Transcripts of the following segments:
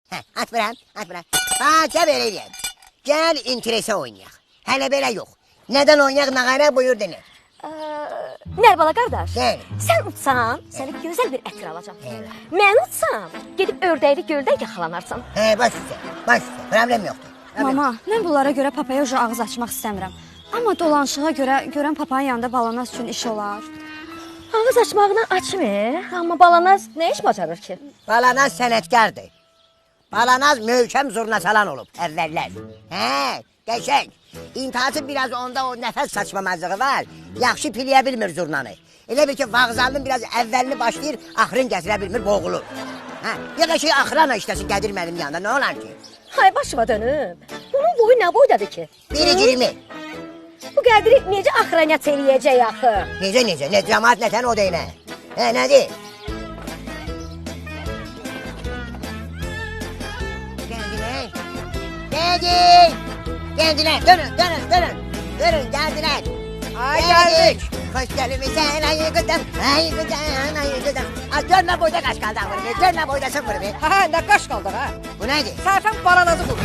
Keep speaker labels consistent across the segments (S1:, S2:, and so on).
S1: Atmıram. Gel böyle diyeyim. Gel interese oynayaq. Hələ belə yox. Nədən oynayaq, nağara buyur dene.
S2: Nərbala qardaş,
S1: Gel.
S2: sən utsan, sənə gözəl bir ətir alacam. Mən utsam, gedib ördəkli göldə yaxalanarsan.
S1: Baş üstə, problem yoxdur.
S3: Mama, mən bunlara görə papaya ucu ağız açmaq istəmirəm. Amma dolanışığa görə görən papanın yanında balanas üçün iş olar.
S2: Ağız açmağına açmır, amma balanaz nə iş bacarır ki?
S1: Balanaz sənətkardır. Balanaz möhkəm zurna salan olub əvvəllər. Qəşəng. İntihası biraz onda o nəfəs saçmamazlığı var. Yaxşı piliyə bilmir zurnanı. Elə bil ki, vağzalının biraz əvvəlini başlayır, axırın gətirə bilmir, boğulur. Ya da şey axırana işləsin, gədir mənim yanında, nə olar ki?
S2: Hay başıma dönüb. Bunun boyu nə boydadır ki?
S1: 1.20.
S2: Bu qədri necə axıranət eləyəcək axı?
S1: Necə? Ne cəmaat nətən o deyinə? Nədir? Geldiler. Dönün, geldiler.
S4: Ay geldik.
S1: Hoş gelmişsin, ay gıdım. Az görme boyda kaç kaldı vurbi. Görme boydasın vurbi.
S4: Ne kaç kaldı ha?
S1: Bu neydi?
S4: Sərfən balanazı vurdu.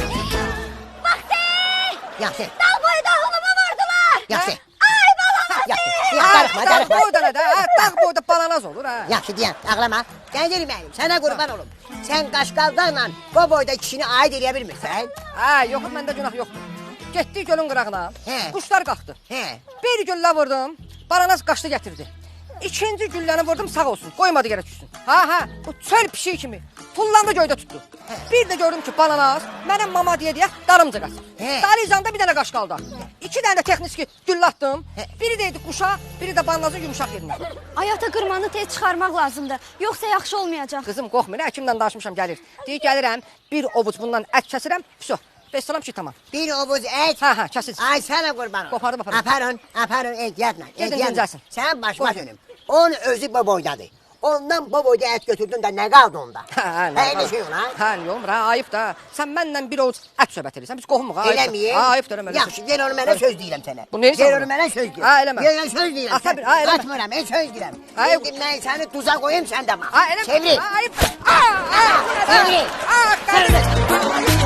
S1: Yaxşı.
S2: Dağ boyda holumu vurdular.
S1: Yaxşı.
S2: Ay balanaz.
S1: Darıxma.
S4: Dağ boyda ne de ha? Dağ boyda balanaz olur ha.
S1: Yaxşı deyəm, ağlama. Gəncəlim mənim, sənə qurban olum. Sən qaşqaldanla bu boyda kişini aid eləyə bilmirsən.
S4: Ha yok məndə günah yoxdur. Getdik gölün qırağına. Quşlar qalxdı. Bir güllə vurdum. Balanaz qaçdı gətirdi. İkinci gülləni vurdum sağ olsun. Qoymadı yerə düşsün. Bu çöl pişiyi kimi. Tullandı göydə tutdu. Bir də gördüm ki balanaz mənim mama deyə darımca qaçır. Darıcanda bir dənə qaş qaldı. İki dənə də texniki güllə atdım. Biri deydi quşa, biri də balanazın yumuşaq yerinə.
S3: Ayata qırmanı tez çıxarmaq lazımdır. Yoxsa yaxşı olmayacaq.
S4: Qızım qorxma, həkimdən danışmışam gəlir. Deyir gəlirəm, bir ovuc bundan ət kəsirəm. Vəsə, bəssalam ki tamam.
S1: Bir ovuz et.
S4: Kəsin.
S1: Ay sənə qurban olum.
S4: Qopardım, apardım.
S1: Aparın, ehtiyatla.
S4: Gedin dincəlsin.
S1: Sən başıma dönüm. Onun özü bu boydadır. Ondan bu boyda et götürdün də nə qaldı onda? Nə şey ola?
S4: Yox, ayıb da. Sən mənlə bir ovuc ət söhbət edirsən. Biz qohumuq, ayıb.
S1: Eləmiyim.
S4: Ayıb da.
S1: Yaxşı, gel onu mənə söz deyirəm sənə.
S4: Bu neysə?
S1: Gel onu mənə söz deyirəm.
S4: Eləmə.
S1: Gel söz deyirəm.
S4: Ata bir, eləmə.
S1: Atmıram, söz deyirəm.
S4: Ayıb.
S1: İndi mən səni tuza qoyum, sən də bax.
S4: Eləmə.
S1: Çevir.
S4: Ayıb.
S1: Çevir.
S4: Çevir.